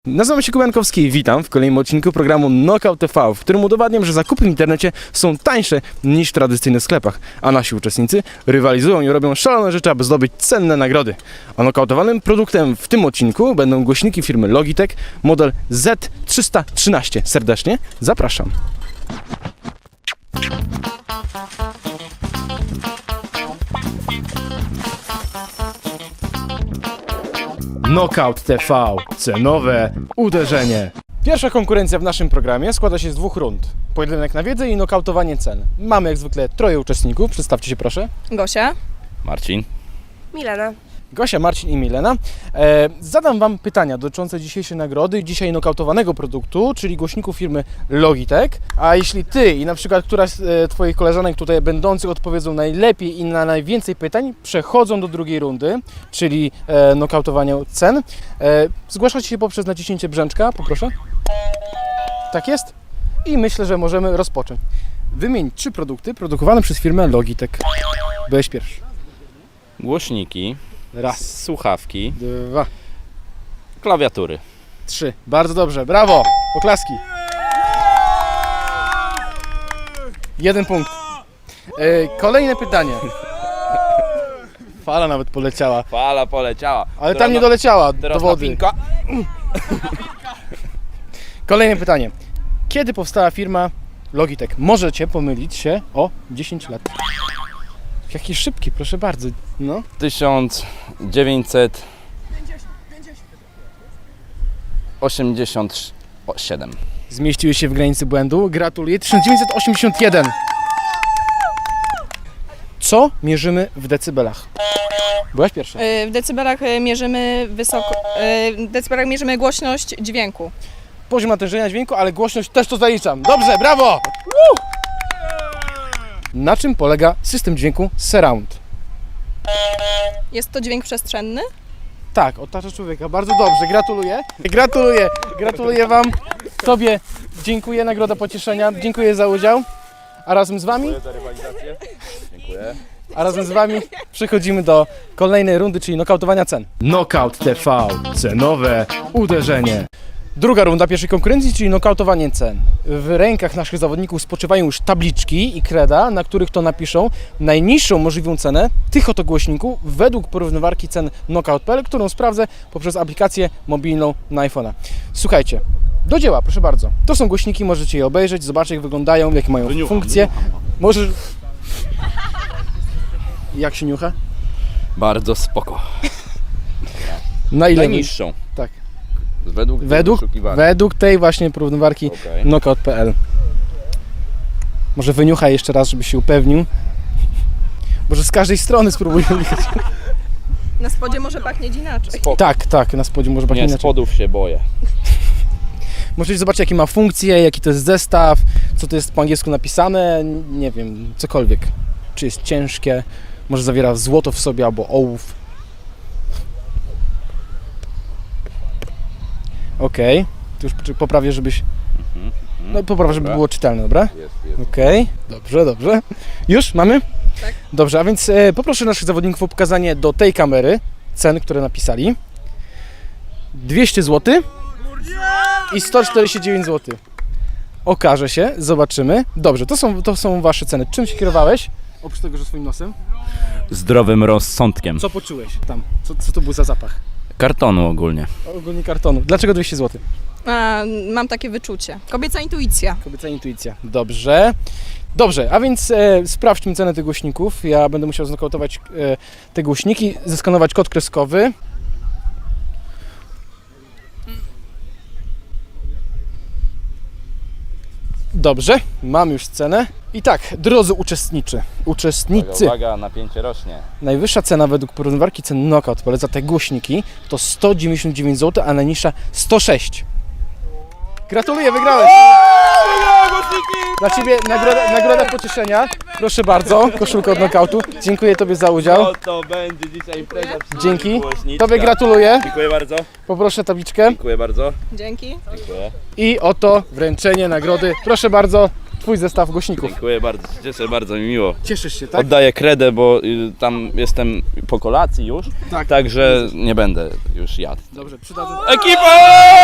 Nazywam się Kubankowski i witam w kolejnym odcinku programu Knockout TV, w którym udowadniam, że zakupy w internecie są tańsze niż w tradycyjnych sklepach, a nasi uczestnicy rywalizują i robią szalone rzeczy, aby zdobyć cenne nagrody. A knockoutowanym produktem w tym odcinku będą głośniki firmy Logitech, model Z313. Serdecznie zapraszam. Knockout TV. Cenowe uderzenie. Pierwsza konkurencja w naszym programie składa się z dwóch rund. Pojedynek na wiedzę i nokautowanie cen. Mamy jak zwykle troje uczestników. Przedstawcie się proszę. Gosia. Marcin. Milena. Gosia, Marcin i Milena. Zadam Wam pytania dotyczące dzisiejszej nagrody i dzisiaj nokautowanego produktu, czyli głośników firmy Logitech. A jeśli Ty i na przykład któraś z Twoich koleżanek tutaj będących odpowiedzą najlepiej i na najwięcej pytań, przechodzą do drugiej rundy, czyli nokautowania cen. Zgłaszacie się poprzez naciśnięcie brzęczka, poproszę. Tak jest? I myślę, że możemy rozpocząć. Wymień 3 produkty produkowane przez firmę Logitech. Byłeś pierwszy. Głośniki. Raz, Słuchawki. 2, Klawiatury. 3. Bardzo dobrze, brawo! Oklaski. 1 punkt. Kolejne pytanie. Fala nawet poleciała, Fala poleciała. ale tam nie doleciała do Teraz wody. napinka. Kolejne pytanie. Kiedy powstała firma Logitech? Możecie pomylić się o 10 lat. Jaki szybki, proszę bardzo. No. 1987. Zmieściły się w granicy błędu. Gratuluję. 1981. Co mierzymy w decybelach? Byłaś pierwsza. W decybelach mierzymy w decybelach mierzymy głośność dźwięku. Poziom natężenia dźwięku, ale głośność też to zaliczam. Dobrze, brawo! Na czym polega system dźwięku Surround? Jest to dźwięk przestrzenny? Tak, otacza człowieka. Bardzo dobrze, gratuluję. Gratuluję Wam. Tobie dziękuję, nagroda pocieszenia. Dziękuję za udział. A razem z Wami? za rywalizację. Dziękuję. A razem z Wami przechodzimy do kolejnej rundy, czyli nokautowania cen. Knockout TV. Cenowe uderzenie. Druga runda pierwszej konkurencji, czyli nokautowanie cen. W rękach naszych zawodników spoczywają już tabliczki i kreda, na których to napiszą najniższą możliwą cenę tych oto głośników według porównywarki cen Knockout.pl, którą sprawdzę poprzez aplikację mobilną na iPhone'a. Słuchajcie, do dzieła, proszę bardzo. To są głośniki, możecie je obejrzeć, zobaczyć jak wyglądają, jakie mają funkcje. Możesz... Jak się niucha? Bardzo spoko. Na ile? Najniższą. Tak. Według tej właśnie porównywarki Okay. Knockout.pl. Może wyniuchaj jeszcze raz, żeby się upewnił. Może z każdej strony spróbuj. Na spodzie może pachnieć inaczej. Tak, na spodzie może pachnieć Nie, inaczej. spodów się boję. Możecie zobaczyć jakie ma funkcje, jaki to jest zestaw, co to jest po angielsku napisane, nie wiem, cokolwiek. Czy jest ciężkie, może zawiera złoto w sobie albo ołów. Okej, tu już poprawię, żebyś... No poprawię, żeby było czytelne, dobra? Jest. Okej, dobrze. Już mamy? Tak. Dobrze, a więc poproszę naszych zawodników o pokazanie do tej kamery cen, które napisali. 200 zł i 149 zł. Okaże się, zobaczymy. Dobrze, to są wasze ceny. Czym się kierowałeś? Oprócz tego, że swoim nosem. Zdrowym rozsądkiem. Co poczułeś tam? Co to był za zapach? Kartonu ogólnie. Ogólnie kartonu. Dlaczego 200 zł? Mam takie wyczucie. Kobieca intuicja. Kobieca intuicja. Dobrze, a więc sprawdźmy cenę tych głośników. Ja będę musiał znokautować te głośniki, zeskanować kod kreskowy. Dobrze, mam już cenę. I tak, drodzy uczestnicy, Uwaga, napięcie rośnie. najwyższa cena według porównywarki cen Knockout za te głośniki to 199 zł, a najniższa 106. Gratuluję, wygrałeś! Dla Ciebie nagroda pocieszenia. Proszę bardzo, koszulka od knockoutu. Dziękuję Tobie za udział. No to będzie dzisiaj impreza. Dzięki. Tobie gratuluję. Dziękuję bardzo. Poproszę tabliczkę. Dziękuję bardzo. Dzięki. Dziękuję. I oto wręczenie nagrody. Proszę bardzo. twój zestaw głośników. Dziękuję bardzo, cieszę, bardzo mi miło. Cieszysz się, tak? Oddaję kredę, bo tam jestem po kolacji już, Tak. także nie będę już jadł. Dobrze, przydadzę. Ekipa!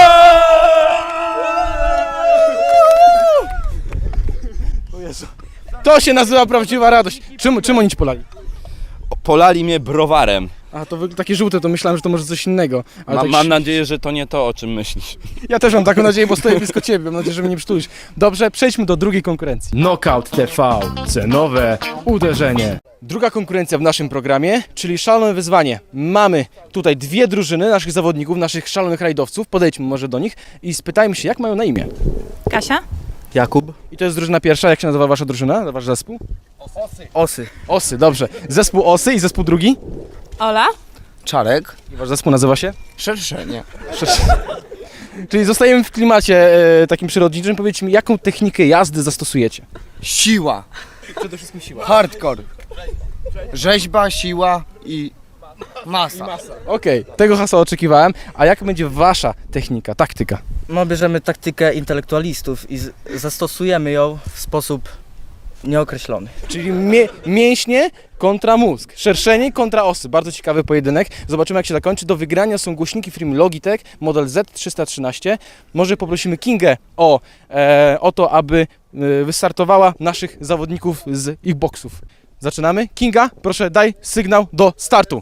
O Jezu. To się nazywa prawdziwa radość. Czym oni ci polali? Polali mnie browarem. A to takie żółte, to myślałem, że to może coś innego. Ale tak Mam nadzieję, że to nie to, o czym myślisz. Ja też mam taką nadzieję, bo stoję blisko ciebie. Mam nadzieję, że mnie nie przytulisz. Dobrze, przejdźmy do drugiej konkurencji. Knockout TV. Cenowe uderzenie. Druga konkurencja w naszym programie, czyli szalone wyzwanie. Mamy tutaj dwie drużyny naszych zawodników, naszych szalonych rajdowców. Podejdźmy może do nich i spytajmy się, jak mają na imię. Kasia? Jakub. I to jest drużyna pierwsza. Jak się nazywa wasza drużyna, wasz zespół? Osy. Osy, dobrze. Zespół Osy i zespół drugi? Ola? Czarek. I wasz zespół nazywa się? Szerszenie. Czyli zostajemy w klimacie takim przyrodniczym. Powiedzcie mi, jaką technikę jazdy zastosujecie? Siła. Przede wszystkim siła. Hardcore. Rzeźba, siła i masa. Okej, tego hasła oczekiwałem. A jak będzie wasza technika, taktyka? No, bierzemy taktykę intelektualistów i zastosujemy ją w sposób nieokreślony. Czyli mięśnie kontra mózg, szerszenie kontra osy. Bardzo ciekawy pojedynek. Zobaczymy, jak się zakończy. Do wygrania są głośniki firmy Logitech, model Z313. Może poprosimy Kingę o to, aby wystartowała naszych zawodników z ich boksów. Zaczynamy. Kinga, proszę daj sygnał do startu.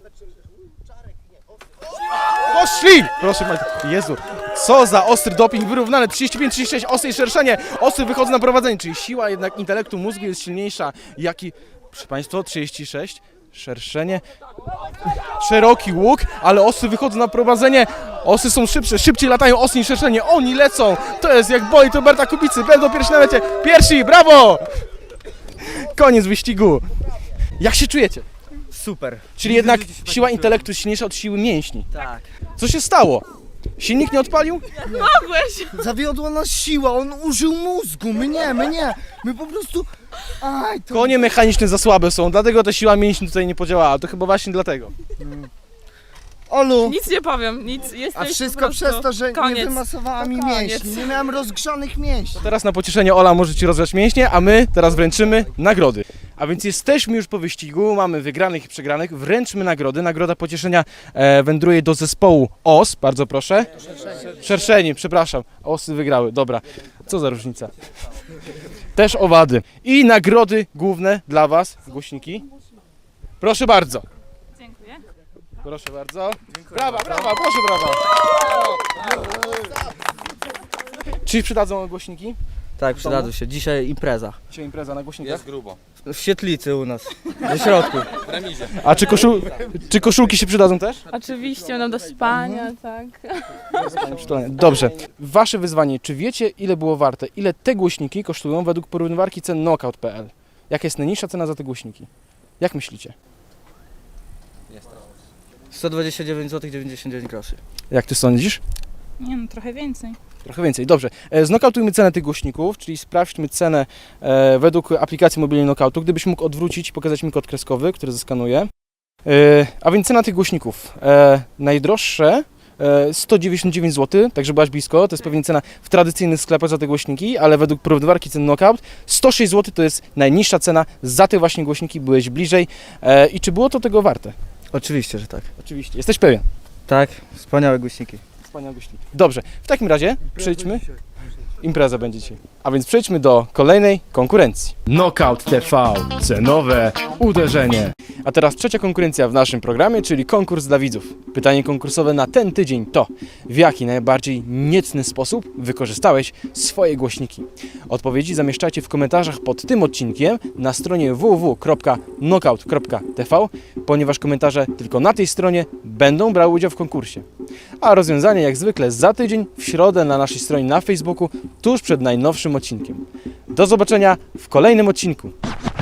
Poszli! Proszę Majka. Jezu, co za ostry doping, wyrównane 35-36, osy i szerszenie. Osy wychodzą na prowadzenie, czyli siła jednak intelektu mózgu jest silniejsza. Jaki, proszę Państwa, 36, szerszenie, szeroki łuk, ale osy wychodzą na prowadzenie. Osy są szybsze, szybciej latają osy niż szerszenie. Oni lecą, to jest jak boli Roberta Kubicy, będą pierwsi na lecie. Pierwsi, brawo! Koniec wyścigu. Jak się czujecie? Super. Czyli jednak siła intelektu jest silniejsza od siły mięśni. Tak. Co się stało? Silnik nie odpalił? Zawiodła nas siła, on użył mózgu, my nie. My po prostu... Aj, to... Konie mechaniczne za słabe są, dlatego ta siła mięśni tutaj nie podziałała. To chyba właśnie dlatego. Olu, Nic nie powiem, nic. Jesteś a wszystko przez to, że nie wymasowała mi koniec. mięśni. Nie miałem rozgrzanych mięśni. Teraz na pocieszenie Ola może Ci rozgrzać mięśnie, a my teraz wręczymy nagrody. A więc jesteśmy już po wyścigu, mamy wygranych i przegranych, wręczmy nagrody. Nagroda pocieszenia wędruje do zespołu OS, bardzo proszę. Szerszenie, przepraszam, OSy wygrały, dobra. Co za różnica. Też owady. I nagrody główne dla Was, głośniki. Proszę bardzo. Dziękuję. Proszę bardzo. Brawa, proszę brawa. Czy przydadzą głośniki? Tak, przydadzą się. Dzisiaj impreza. Dzisiaj impreza na głośnikach. W świetlicy u nas. Na środku. A czy koszulki się przydadzą też? Oczywiście, będą do spania, tak. Dobrze. Wasze wyzwanie. Czy wiecie, ile było warte? Ile te głośniki kosztują według porównywarki cen knockout.pl? Jaka jest najniższa cena za te głośniki? Jak myślicie? 129 zł 99 groszy. Jak ty sądzisz? Nie no, trochę więcej. Trochę więcej. Dobrze. Znokautujmy cenę tych głośników, czyli sprawdźmy cenę według aplikacji mobilnej Knockoutu. Gdybyś mógł odwrócić i pokazać mi kod kreskowy, który zeskanuję. A więc cena tych głośników. Najdroższe 199 zł, także byłaś blisko. To jest pewnie cena w tradycyjnych sklepach za te głośniki, ale według porównywarki cen Knockout 106 zł to jest najniższa cena za te właśnie głośniki. Byłeś bliżej. I czy było to tego warte? Oczywiście, że tak. Oczywiście. Jesteś pewien? Tak, wspaniałe głośniki. Wspaniałe głośniki. Dobrze, w takim razie przejdźmy. Impreza będzie dzisiaj. A więc przejdźmy do kolejnej konkurencji. Knockout TV. Cenowe uderzenie. A teraz trzecia konkurencja w naszym programie, czyli konkurs dla widzów. Pytanie konkursowe na ten tydzień to: w jaki najbardziej niecny sposób wykorzystałeś swoje głośniki? Odpowiedzi zamieszczajcie w komentarzach pod tym odcinkiem na stronie www.knockout.tv, ponieważ komentarze tylko na tej stronie będą brały udział w konkursie. A rozwiązanie jak zwykle za tydzień w środę na naszej stronie na Facebooku tuż przed najnowszym odcinkiem. Do zobaczenia w kolejnym odcinku.